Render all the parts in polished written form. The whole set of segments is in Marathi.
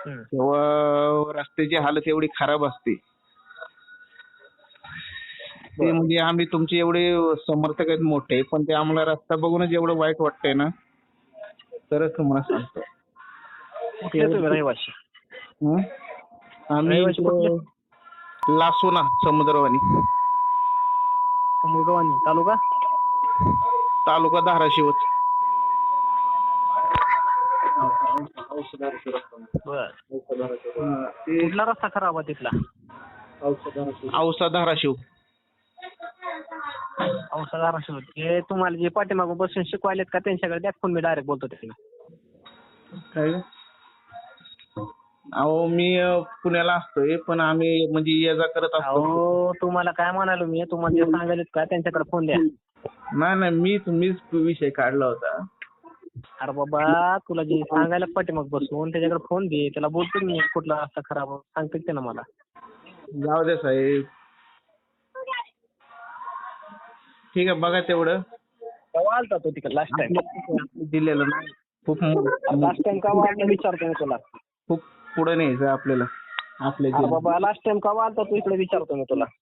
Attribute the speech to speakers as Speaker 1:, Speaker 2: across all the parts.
Speaker 1: हम्म.
Speaker 2: तेव्हा रस्त्याची हालत एवढी खराब असते. ते म्हणजे आम्ही तुमचे एवढे समर्थक आहेत मोठे, पण ते आम्हाला रस्ता बघूनच एवढं वाईट वाटतंय ना, तरच तुम्हाला सांगतो.
Speaker 1: कुठले तुम्ही रहिवासी?
Speaker 2: हं? आम्ही
Speaker 1: रहिवासी कुठले?
Speaker 2: इकडं लासोना समुद्रवाणी,
Speaker 1: समुद्रवाणी तालुका?
Speaker 2: तालुका धाराशिवच.
Speaker 1: बर.
Speaker 2: ते
Speaker 1: कुठला रस्ता खराब आहे तिथला?
Speaker 2: औसा धाराशिव.
Speaker 1: औषधार ते तुम्हाला जे पाठीमागून बसून शिकवायलेत का त्यांच्याकडे द्या फोन, मी डायरेक्ट बोलतो त्यांना.
Speaker 2: काय ग? अहो मी पुण्याला असतोय, पण आम्ही म्हणजे ये जा करत असतो.
Speaker 1: अहो तुम्हाला काय म्हणालो मी, तुम्हाला जे सांगायलेत का त्यांच्याकडे फोन द्या.
Speaker 2: नाही मीच विषय काढला होता.
Speaker 1: अरे बाबा तुला जे सांगायला पाठीमाग बसून त्याच्याकडे फोन दे, त्याला बोलतो मी कुठला रस्ता खराब आहे. सांगते ते ना मला.
Speaker 2: जाऊ दे साहेब, ठीक आहे बघा तेवढं.
Speaker 1: केव्हा आलता तो तिकडे लास्ट टाइम?
Speaker 2: दिलेलं नाही, खूप
Speaker 1: लास्ट टाइम केव्हा आलता विचारतो मी तुला.
Speaker 2: खूप पुढे न्यायचं आपल्याला आपल्या
Speaker 1: अरे बाबा लास्ट टाइम केव्हा आलता तू इकडे विचारतो मी तुला.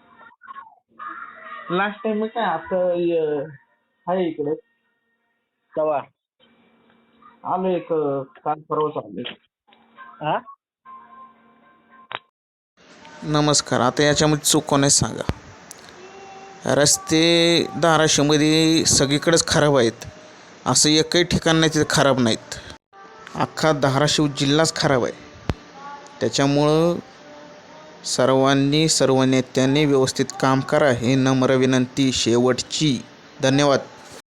Speaker 2: लास्ट टाइम काय आता आहे इकडे.
Speaker 1: केव्हा?
Speaker 2: आलो एक काल परवाच आलो.
Speaker 1: हा?
Speaker 3: नमस्कार. आता याच्यामध्ये चूक कोणाच सांगा. रस्ते धाराशिवमध्ये सगळीकडेच खराब आहेत, असं एकही ठिकाण नाही तिथे खराब नाहीत. अख्खा धाराशिव जिल्हाच खराब आहे. त्याच्यामुळं सर्व नेत्यांनी व्यवस्थित काम करा, ही नम्र विनंती शेवटची. धन्यवाद.